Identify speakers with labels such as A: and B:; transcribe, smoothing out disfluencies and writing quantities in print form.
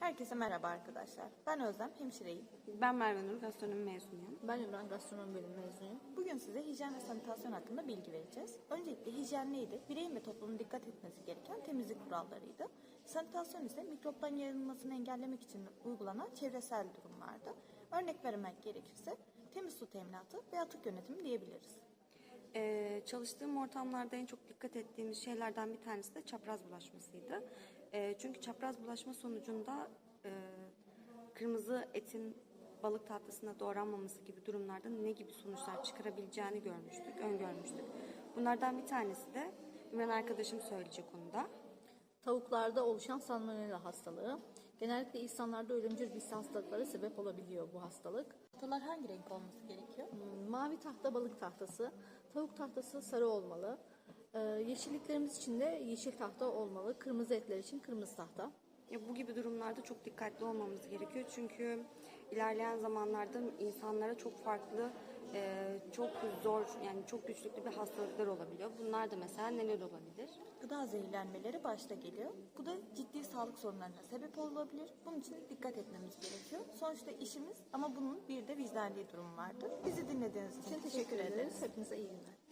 A: Herkese merhaba arkadaşlar. Ben Özlem, hemşireyim.
B: Ben Merve Nur, gastronomi mezunuyum.
C: Ben Ümran, gastronomi bölümü mezunuyum.
A: Bugün size hijyen ve sanitasyon hakkında bilgi vereceğiz. Öncelikle hijyen neydi? Bireyin ve toplumun dikkat etmesi gereken temizlik kurallarıydı. Sanitasyon ise mikropların yayılmasını engellemek için uygulanan çevresel durumlardı. Örnek vermek gerekirse temiz su teminatı ve atık yönetimi diyebiliriz.
B: Çalıştığım ortamlarda en çok dikkat ettiğimiz şeylerden bir tanesi de çapraz bulaşmasıydı. Çünkü çapraz bulaşma sonucunda kırmızı etin balık tahtasına doğranmaması gibi durumlarda ne gibi sonuçlar çıkarabileceğini öngörmüştük. Bunlardan bir tanesi de Ümran arkadaşım söyleyecek onu da.
C: Tavuklarda oluşan salmonella hastalığı. Genellikle insanlarda ölümcül bis hastalıklara sebep olabiliyor bu hastalık.
A: Tahtalar hangi renk olması gerekiyor?
C: Mavi tahta balık tahtası, tavuk tahtası sarı olmalı. Yeşilliklerimiz için de yeşil tahta olmalı. Kırmızı etler için kırmızı tahta.
B: Bu gibi durumlarda çok dikkatli olmamız gerekiyor. Çünkü ilerleyen zamanlarda insanlara çok farklı, çok zor, yani çok güçlüklü bir hastalıklar olabiliyor. Bunlar da mesela neler olabilir?
A: Gıda zehirlenmeleri başta geliyor. Bu da ciddi sağlık sorunlarına sebep olabilir. Bunun için dikkat etmemiz gerekiyor. Sonuçta işimiz ama bunun bir de vicdani durum vardır. Bizi dinlediğiniz için teşekkür ederiz.
C: Hepinize iyi günler.